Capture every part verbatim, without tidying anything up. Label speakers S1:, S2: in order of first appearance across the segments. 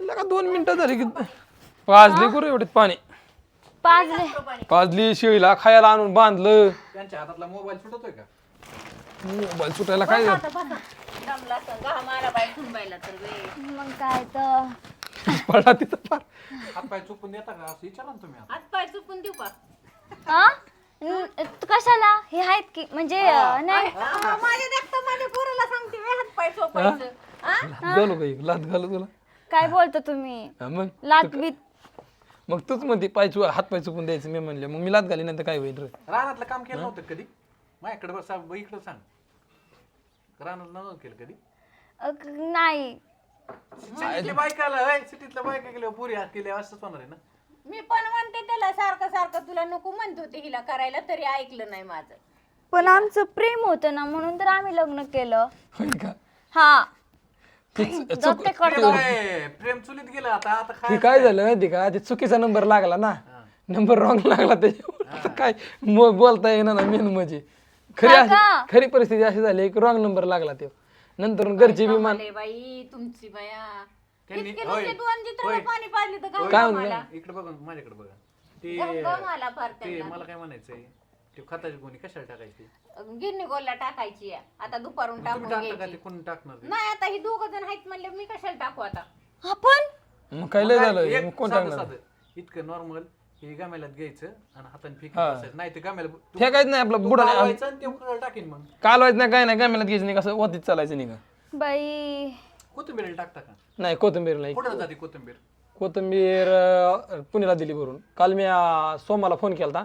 S1: लगा दोन मिनिटं झाली की पाजली गुरु एवढीत पाणी
S2: पाजले
S1: पाजली शेळीला खायला आणून बांधलं.
S3: त्यांच्या हातातला मोबाईल सुटतोय का?
S1: मोबाईल सुटायला काय
S2: बसा आता, बसा. दमला असं घाम आला बाई ठुंबायला तर वे.
S4: मग काय तर
S1: पडला तिथं फार.
S3: हात पाय चुकून देता का असं विचारा ना तुम्ही आता.
S2: हात पाय चुकून देऊ का?
S4: हा न- कशाला हे आहेत की म्हणजे अं, नाही
S2: आ, माझ्या देखता माझ्या पोराला सांगते वे हात पाय चोपायचं. आ?
S1: लाथ घालू का एक? लाथ घालू तुला
S4: काय बोलतो तुम्ही
S1: हा, मग
S4: लात बीत
S1: मग तूच म्हणते पाय चु हात पाय चुकून द्यायचं. मी म्हणले मग मी लात घाली नंतर काय होईल रे?
S3: रानातलं काम केलं नव्हतं कधी? माझ्याकडे बस इकडं सांग. रानात नव्हतं केलं कधी?
S4: अ, क- नाही
S3: सिटीतल्या बायकाला होय, सिटीतल्या बायका केल्या पुरी हात केल्या असंच होणार आहे ना.
S2: मी पण म्हणते त्याला सारखं सारखं तुला नको म्हणत होते हिला करायला तरी ऐकलं नाही माझं.
S4: पण आमचं प्रेम होतं ना म्हणून तर आम्ही लग्न केलं.
S1: होय का?
S4: हा
S1: ते चु-
S4: जाऊ
S1: चुक-
S4: ते
S3: प्रेम
S4: कडवं.
S3: काय, प्रेम चुलीत गेलं आता आता
S1: ते
S3: काय
S1: काय झालं माहिती का? ते चुकीचा नंबर लागला ना. नंबर रॉंग लागला त्याच्यावर. आता काय मग बोलता येईना ना मेन म्हणजे खरी
S4: हा
S1: अशी-
S4: का?
S1: खरी परिस्थिती अशी झाली की रॉंग नंबर लागला ते. नंतर घरचे बी मान
S2: अरे बाई तुमची बाया
S3: त्यांनी-
S2: इतके
S3: होय,
S2: नुसते दोन चित्र
S3: होय.
S2: पाणी पाजले तर
S3: होय.
S2: घाम आला.
S3: इकडे बघा माझ्याकडे बघा. ते
S2: घम आला फार
S3: ते
S2: त्यांना.
S3: मला काय म्हणायचंय, ते खताची गोणी कशाला टाकायची?
S2: गिरणी गोलला टाकायची आहे. आता दुपारून
S3: तुम्ही
S2: टाकून
S3: टाकता का
S2: घ्यायची.
S3: ते कोण टाकणार ते?
S2: नाही आता ही दोघ जण आहेत म्हणले मी कशाला टाकू आता.
S4: आपण
S1: मग काय लय
S3: मग
S1: झालं
S3: एक
S1: मग कोण
S3: साधं-
S1: टाकणार?
S3: साधं. इतकं नॉर्मल हे गाम्यालात घ्यायचं आणि हाताने फेकी
S1: हा.
S3: बसायचं. नाही ते गाम्याला
S1: फेकायचं नाही आपलं बुडा
S3: बुडायचं आणि ते उकळायला टाकीन. मग
S1: कालवायचं नाही काय नाही काय म्हणत घ्यायचं नाही कसं वतीत चालायचं नाही का?
S4: बाई
S3: कोथिंबीर टाकता का?
S1: नाही कोथिंबीर नाही.
S3: कुठं जाते कोथिंबीर?
S1: कोथिंबीर अं, पुण्याला दिली भरून. काल मी अं, सोमाला फोन केला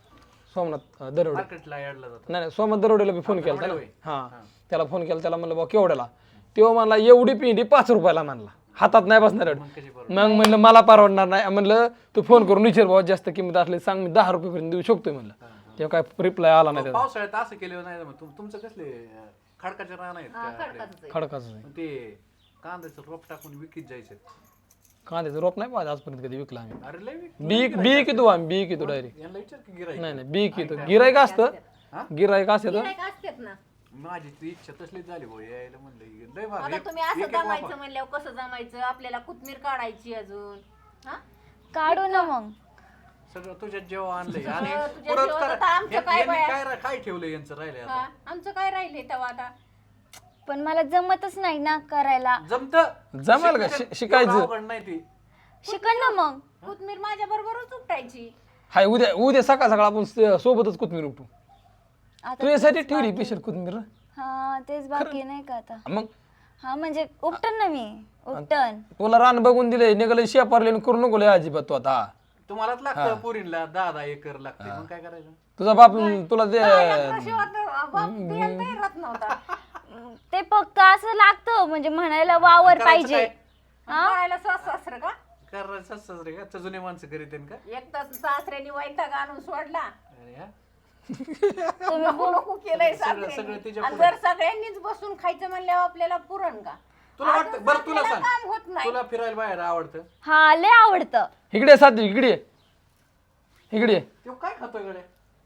S1: सोमनाथ अं, दरोडे.
S3: मार्केटला याडला जातो.
S1: नाही नाही सोमनाथ दरोडेला बी फोन केला
S3: दरोडे होय.
S1: हा त्याला फोन केला. त्याला म्हणलं बा केवढ्याला? तेव्हा म्हणला एवढी पिंडी पाच रुपयाला म्हणला. हातात नाही बसणार एवढं.
S3: मग कशी बरोबर?
S1: मग म्हणलं मला परवडणार नाही. म्हणलं तू फोन करून विचार बाबा जास्त किंमत असली सांग मी दहा रुपयेपर्यंत देऊ शकतोय म्हणलं. तेव्हा काय रिप्लाय आला नाही त्याचा.
S3: पावसाळ्यात असं केलं नाही मग तुम- तुमचं कसले अं, खडकाचे रान आहेत
S2: हा,
S3: का?
S2: खडकाचंच आहे.
S1: खडकाचं आहे.
S3: मग ते कांद्याचं रोप टाकून विकीत जायचं.
S1: कांद्याचं रोप नाही पाहिजे आजपर्यंत कधी विकला आम्ही.
S3: अरे लय विक-
S1: बी बी कितो आम्ही बी कितो डायरेक्ट.
S3: यांना विचार की गिराईक.
S1: नाही नाही बी कितो गिरायक असतं
S3: हा?
S1: गिरायक असतं
S2: गिऱ्हाईक असतात ना.
S3: माझी ती इच्छा तसलीच झाली भाऊ यायला म्हणलं लय भारी.
S2: आता
S3: एक-
S2: तुम्ही असं
S3: एक- एक
S2: जमायचं
S3: वाफा.
S2: म्हणल्यावर कसं जमायचं आपल्याला कोथमीर काढायची अजून. हा?
S4: काढू ना मग.
S3: सगळं तुझ्यात जेव्हा आणलंय आणि
S2: तुझ्या
S3: पुढं
S2: जेवणात
S3: करा-
S2: आता आमचं
S3: यांनी
S2: काय बाया?
S3: काय काय ठेवलं यांचं राहिले आता?
S2: हा? आमचं काय राहिलंय तेव्हा आता.
S4: पण मला जमतच नाही ना करायला.
S3: जमत
S1: जमेल का? शि- शिकायचं.
S3: नाही ती
S4: शिकण ना मग.
S2: कोथमीर माझ्या बरोबरच उपटायची.
S1: हाय उद्या उद्या सकाळ सकाळ आपण स- सोबतच कोथमीर उपटू.
S4: आता
S1: तुझ्यासाठी ठेवली पेशल कोथमीर.
S4: हा तेच बाकी नाही का आता.
S1: मग
S4: हा म्हणजे उपटन ना मी उपटन.
S1: तुला रान बघून दिले निघाले शेपारले करू नको लय अजिबात तू आता.
S3: तुम्हालाच लागतं पोरींला दहा दहा एकर लागते मग काय करायचं?
S1: तुझा बाप तुला ते
S2: शिवाय बाप द्यायला तयारच नव्हता.
S4: ते फक्त असं लागतं म्हणजे म्हणायला वावर
S3: करायचं
S4: पाहिजे.
S3: काय?
S2: करायला सास सासरं का?
S3: करायचं असंच रे का जुने माणसं करीत का?
S2: एक तास सासऱ्याने वैताग आणून सोडला.
S3: अरे हा?
S4: तुम्ही
S2: नको नको केलंय
S3: सगळं-
S2: सासऱ्याने.
S3: सगळं तिच्या
S2: आणि जर सगळ्यांनीच बसून खायचं म्हणल्यावर आपल्याला पुरण का?
S3: तुला वाटतं बरं तुला
S2: आपल्याला काम
S3: सांग
S2: होत नाही.
S3: तुला फिरायला बाहेर आवडतं?
S4: हा लय आवडतं.
S1: इकडे साधी इकडे ये. इकडे ये.
S3: तो काय खातोय गड्या?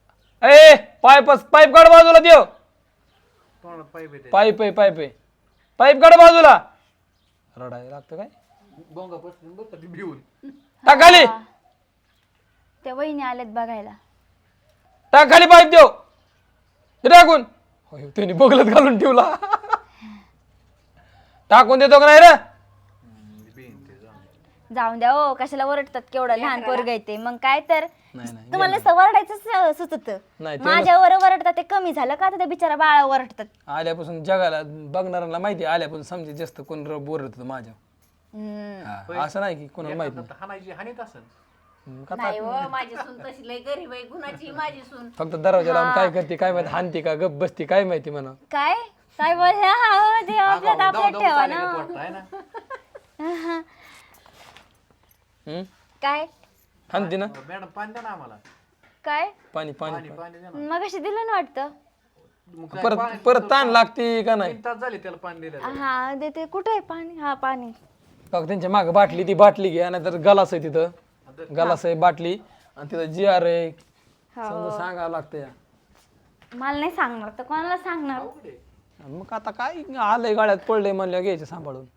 S1: ए पाईप पाईप काढ बाजूला देव.
S3: तोंडात पाईप येते
S1: पाईप आहे पाईप आहे पाईप काढ बाजूला. रडायला लागतं काय?
S3: बोंगा बसून बघ ती भिवून.
S1: टाक खाली
S4: त्या वहिनी आल्यात बघायला.
S1: टाक खाली पाईप देव. ते टाकून होय, त्याने बगलत घालून ठेवला. टाकून देतो का नाही रे?
S3: भिन ते जाऊन दे.
S4: जाऊन द्या हो कशाला ओरडतात केवढं लहान पोरग आहे ते. मग काय तर
S1: नाही नाही
S4: तुम्हाला सवरडायचं सुचत.
S1: नाही, ते
S4: माझ्यावर ओरडतात ते कमी झालं का आता त्या बिचारा बाळा ओरडतात.
S1: आल्यापासून जगाला बघणाऱ्यांना माहिती आहे, आल्यापासून समजे जास्त कोण बोलत माझ्या.
S4: हम्म.
S1: हा, असं नाही की कोणाला माहित
S3: आता हाणायची हानीत असेल.
S1: नाही का
S2: नाही हो माझी सून तशी लय गरीब आहे गुणाची माझी सून.
S1: फक्त दरवाजा लावून काय करते काय माहिती हानती का गप बसती काय माहिती म्हणा.
S4: काय काय बोलल्या हा, ते आपल्यात
S3: दाव-
S4: आपल्यात
S3: दाव
S4: ठेवा
S3: चालेल
S4: ना.
S3: का वाटतं, आहे ना?
S1: हम्म?
S4: काय
S1: हानती ना.
S3: मॅडम पाणी द्या ना आम्हाला.
S4: काय
S1: पाणी पाणी
S3: पाणी पाणी द्या ना.
S4: मग कशी दिलं ना वाटतं.
S3: मग काय
S1: परत
S3: पाणी-
S1: परत ताण लागते का नाही.
S3: तीन तास झाले त्याला पाणी दिलं.
S4: हा देते कुठे आहे पाणी. हा पाणी
S1: बघ त्यांच्या मागे बाटली ती बाटली घ्या नाहीतर गलास आहे तिथं गलास आहे बाटली आणि तिथं जी आर आहे समजा सांगावं लागतं या.
S4: मला नाही सांगणार तर कोणाला सांगणार.
S1: मग आता काय आलंय गाड्यात पडलंय म्हणलं घ्यायचं सांभाळून.